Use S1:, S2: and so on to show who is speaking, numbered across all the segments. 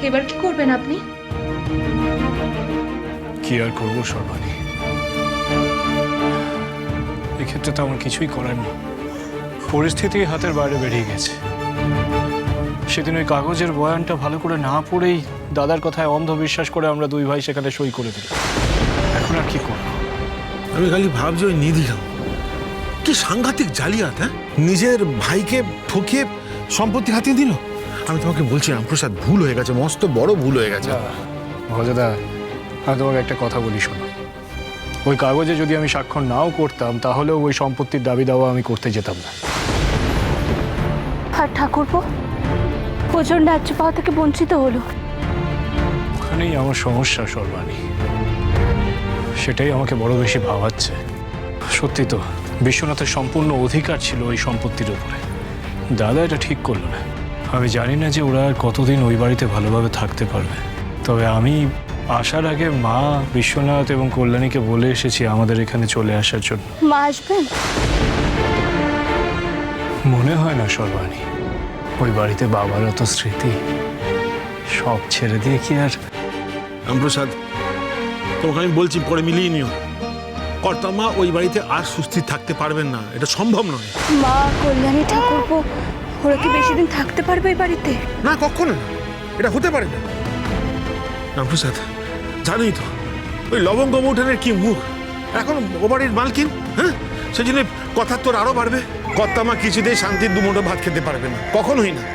S1: এবার কি করবেন আপনি?
S2: কি আর করবো সর্বাণী, এক্ষেত্রে তো আমার কিছুই করার নেই। পরিস্থিতি হাতের বাইরে বেরিয়ে গেছে। সেদিন ওই কাগজের বয়ানটা ভালো করে না পড়েই দাদার কথায় অন্ধবিশ্বাস করে আমরা দুই ভাই সেখানে সই করে দিলাম। এখন আর কি করবো?
S3: আমি খালি ভাবছি ওই নিধিরাম কি সাংঘাতিক জালিয়াত। হ্যাঁ, নিজের ভাইকে ঠকিয়ে সম্পত্তি হাতিয়ে দিল। আমি তোমাকে বলছি রামপ্রসাদ, ভুল হয়ে গেছে, মস্ত বড় ভুল হয়ে গেছে।
S2: ভজদা, আমি তোমাকে একটা কথা বলি শোনো। ওই কাগজে যদি আমি স্বাক্ষর নাও করতাম তাহলেও ওই সম্পত্তির দাবি দাওয়া আমি করতে যেতাম না।
S4: আর ঠাকুরপো ওজন রাজ্য পাওয়া থেকে বঞ্চিত হলো।
S2: ওখানেই আমার সমস্যা সর্বাণী, সেটাই আমাকে বড় বেশি ভাবাচ্ছে। সত্যি তো বিশ্বনাথের সম্পূর্ণ অধিকার ছিল ওই সম্পত্তির উপরে। দাদা এটা ঠিক করলো না। আমি জানি না যে ওরা আর কতদিন ওই বাড়িতে ভালোভাবে থাকতে পারবে। তবে আমি আসার আগে মা, বিশ্বনাথ এবং কল্যাণীকে বলে এসেছি আমাদের এখানে চলে আসার জন্য।
S4: মা আসবেন?
S2: মনে হয় না সর্বাণী, ওই বাড়িতে বাবার অত স্মৃতি, সব ছেড়ে দিয়ে কি আর।
S3: রামপ্রসাদ, তোমাকে আমি বলছি পরে মিলিয়ে নিও। কর্তামা ওই বাড়িতে আর সুস্থির থাকতে পারবেন না, এটা সম্ভব নয়।
S4: মা, কল্যাণী, ঠাকুরপো ওরা কি বেশি দিন থাকতে পারবে এই বাড়িতে?
S3: না, কখনো না, এটা হতে পারে না। রামপ্রসাদ, জানোই তো ওই লবঙ্গ মৌঠানের কি মুখ। এখন ও বাড়ির মালকিন, হ্যাঁ, সেই জন্য কথার তোর আরো বাড়বে। কর্তামা কিছুতেই শান্তির দুমুঠো ভাত খেতে পারবে না, কখনোই না।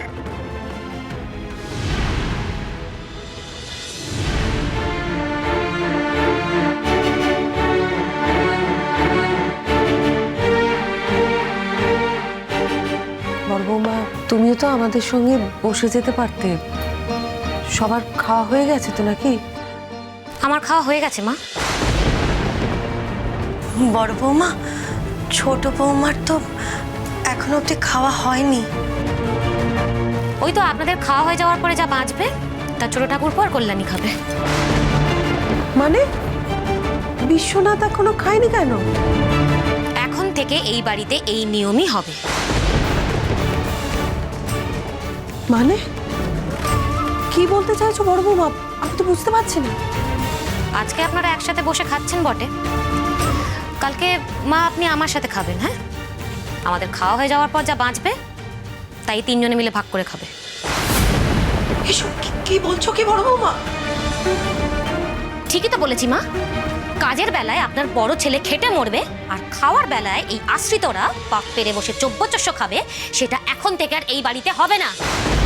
S5: বড় বৌমা, তুমিও তো আমাদের সঙ্গে বসে যেতে পারতে। সবার খাওয়া হয়ে গেছে তো নাকি?
S6: আমার খাওয়া হয়ে গেছে মা।
S7: বড় বৌমা, ছোট বৌমার তো এখনো অব্দি খাওয়া হয়নি।
S6: ওই তো আপনাদের খাওয়া হয়ে যাওয়ার পরে যা বাঁচবে তা ছোট ঠাকুরপো আর কল্যাণী খাবে।
S5: মানে বিশ্বনাথ এখনো খায়নি কেন?
S6: এখন থেকে এই বাড়িতে এই নিয়মই হবে।
S5: মানে কি বলতে চাইছো বড় বৌমা? আমি তো বুঝতে পারছি না।
S6: আজকে আপনারা একসাথে বসে খাচ্ছেন বটে, কালকে মা আপনি আমার সাথে খাবেন। হ্যাঁ, আমাদের খাওয়া হয়ে যাওয়ার পর যা বাঁচবে তাই তিনজনে মিলে ভাগ করে খাবে।
S7: এসব কি বলছো কি বড় বৌমা?
S6: ঠিকই তো বলেছি মা। কাজের বেলায় আপনার বড় ছেলে খেটে মরবে, আর খাওয়ার বেলায় এই আশ্রিতরা পাক পেরে বসে চব্যচস্য খাবে। সেটা এখন থেকে আর এই বাড়িতে হবে না।